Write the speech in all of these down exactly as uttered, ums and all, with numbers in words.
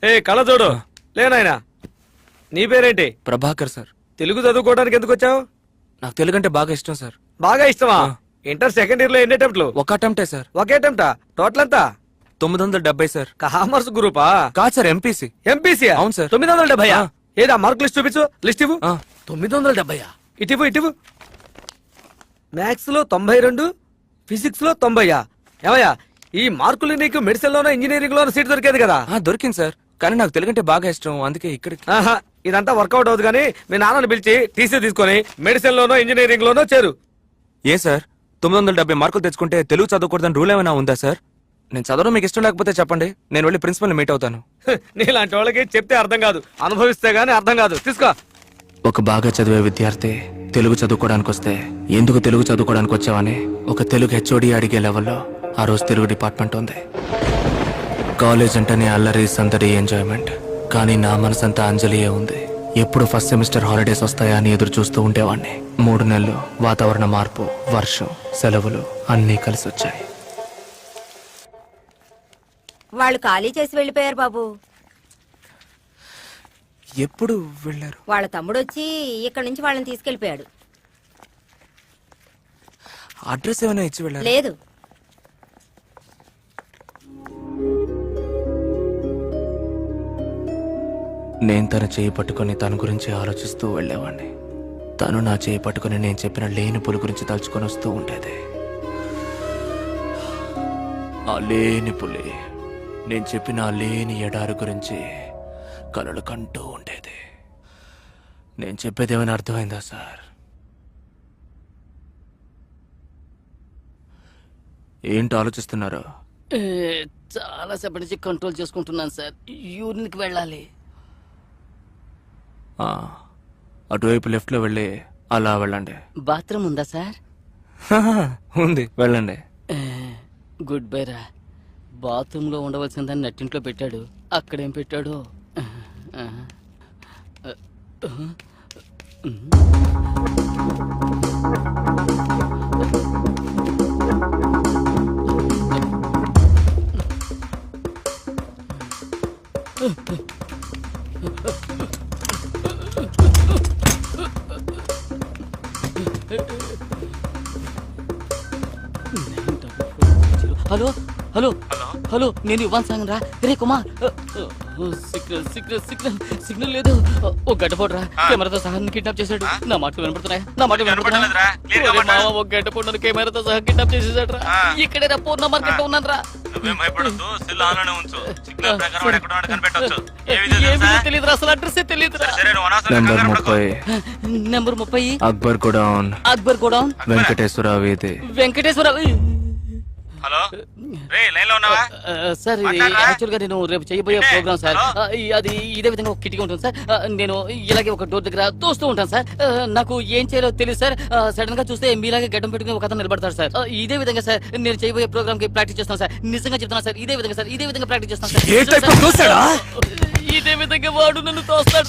ఏ కళ చూడు లేనాయనా. నీ పేరేంటి? ప్రభాకర్ సార్. తెలుగు చదువుకోవడానికి ఎందుకు వచ్చావు? నాకు తెలుగు అంటే బాగా ఇష్టం సార్. బాగా ఇష్టమా? ఇంటర్ సెకండ్ ఇయర్ లో ఎన్ని అటెంప్ట్లు? ఒక అటెంప్టే సార్. ఒకే అటెంప్టా? టోటల్ ఎంత? తొమ్మిది వందల డెబ్బై సార్. కామర్స్ గ్రూపా? కాదు సార్, ఎంపీసీ. ఎంపీసీ? అవును సార్. తొమ్మిది వందల డెబ్బై ఏదా? మార్క్ లిస్ట్ చూపించు. లిస్ట్ ఇవ్వు. ఆ. తొమ్మిది వందల డెబ్బై ఇటివు ఇటివు. మ్యాథ్స్ లో తొంభై రెండు, ఫిజిక్స్ లో తొంభైయా? ఏమయ్యా ఈ మార్కులు నీకు మెడిసిన్ లోనో ఇంజనీరింగ్ లోనో సీట్ దొరికేది కదా? ఆ, దొరికింది సార్, కానీ నాకు తెలుగు అంటే బాగా ఇష్టం, అందుకే ఇక్కడికి. ఆహా, ఇదంతా వర్కౌట్ అవుతుంది కానీ మీ నాన్నని పిలిచి టీసీ తీసుకొని మెడిసిన్ లోనో ఇంజనీరింగ్ లోనో చేరు. ఏ సార్, తొమ్మిది వందల డెబ్బై మార్కులు తెచ్చుకుంటే తెలుగు చదవకూడదని రూల్ ఏమైనా ఉందా సార్? నేను చదవడం మీకు ఇష్టం లేకపోతే చెప్పండి, నేను వెళ్ళి ప్రిన్సిపల్ మీట్ అవుతాను. నీలాంటి వాళ్ళకి చెప్తే అర్థం కాదు, అనుభవిస్తే గానీ అర్థం కాదు. తీసుకో. ఒక బాగా చదివే విద్యార్థి తెలుగు చదువుకోవడానికి వస్తే ఎందుకు తెలుగు చదువుకోవడానికి వచ్చావని ఒక తెలుగు హెచ్ఓడి అడిగే లెవెల్లో ఆ రోజు తెలుగు డిపార్ట్మెంట్ ఉంది. కాలేజ్ అంటేనే అల్లరి, సందడి, ఎంజాయ్మెంట్. కానీ నా మనసంతా అంజలియే ఉంది. ఎప్పుడు ఫస్ట్ సెమిస్టర్ హాలిడేస్ వస్తాయా అని ఎదురు చూస్తూ ఉండేవాడిని. మూడు నెలలు వాతావరణ మార్పు, వర్షం, సెలవులు అన్నీ కలిసి వచ్చాయి. వాళ్ళు ఖాళీ చేసి వెళ్ళిపోయారు బాబు. ఎప్పుడు వెళ్ళారు? వాళ్ళ తమ్ముడు వచ్చి ఇక్కడ నుంచి వాళ్ళని తీసుకెళ్లిపోయాడు. అడ్రస్ ఏమైనా ఇచ్చి వెళ్ళారు? లేదు. నేను తన చేయి పట్టుకుని తన గురించి ఆలోచిస్తూ వెళ్ళేవాడిని. తను నా చేయి పట్టుకుని నేను చెప్పిన లేని పులి గురించి తలుచుకొని వస్తూ ఉండేది. ఆ లేని పులి నేను చెప్పిన ఆ లేని ఎడారి గురించి కలలు కంటూ ఉండేది. నేను చెప్పేది ఏమైనా అర్థమైందా సార్? ఏంటి ఆలోచిస్తున్నారు? చాలా సేపటి నుంచి కంట్రోల్ చేసుకుంటున్నాను సార్. యూరిన్కి వెళ్ళాలి. అటువైపు లెఫ్ట్ లో వెళ్ళి అలా వెళ్ళండి. బాత్రూమ్ ఉందా సార్? ఉంది, వెళ్ళండి. గుడ్ బై రా. బాత్రూమ్ లో ఉండవలసిందని నట్టింట్లో పెట్టాడు, అక్కడేం పెట్టాడు. హలో హలో హలో నేను ఇవ్వను సాంగ్ రా. రే Kumar, signal signal signal signal లేదు. ఓ గడ్డపోడు రా, కెమెరాతో సహా కిడ్నాప్ చేశాడు. నా మాటలు వినపడుతున్నాయా? నా మాటలు వినపడుతున్నాయా? ఓ గడ్డపోడు కెమెరాతో సహా కిడ్నాప్ చేసేసాడు రా. ఇక్కడే రా, పూర్ణ మార్కెట్ లో ఉన్నాను రా. తెలియదు రా, అసలు అడ్రస్ తెలియదు రా. నెంబర్ ముప్పై నెంబర్ ముప్పై అక్బర్ గోడౌన్. అక్బర్ గోడౌన్, వెంకటేశ్వర వీధి. వెంకటేశ్వర. హలో రే, లైన్ లో ఉన్నావా సార్? ఇది యాక్చువల్ గా నేను రేపు చేయబోయే ప్రోగ్రామ్ సార్. అది ఇదే విధంగా ఒక కిటికీ ఉంటుంది సార్. నేను ఇలాగే ఒక డోర్ దగ్గర తోస్తూ ఉంటాను సార్. నాకు ఏం చేయాలో తెలియదు సార్. సడన్ గా చూస్తే మీలాగే గడ్డం పెట్టుకుని ఒక అతను నిలబడతారు సార్. ఇదే విధంగా సార్ నేను చేయబోయే ప్రోగ్రామ్ కి ప్రాక్టీస్ చేస్తాను సార్. నిజంగా చెప్తాను సార్, ఇదే విధంగా సార్, ఇదే విధంగా ప్రాక్టీస్ చేస్తాను సార్. ఇదే విధంగా వాడు నన్ను తోస్తాడు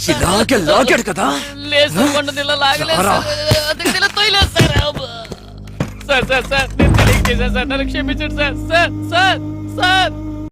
లేదు, ఇలా లాగలేదు సార్. సార్ సార్ సార్ నేను తెలియక చేశాను సార్, నన్ను క్షమించండి సార్. Sir sir sir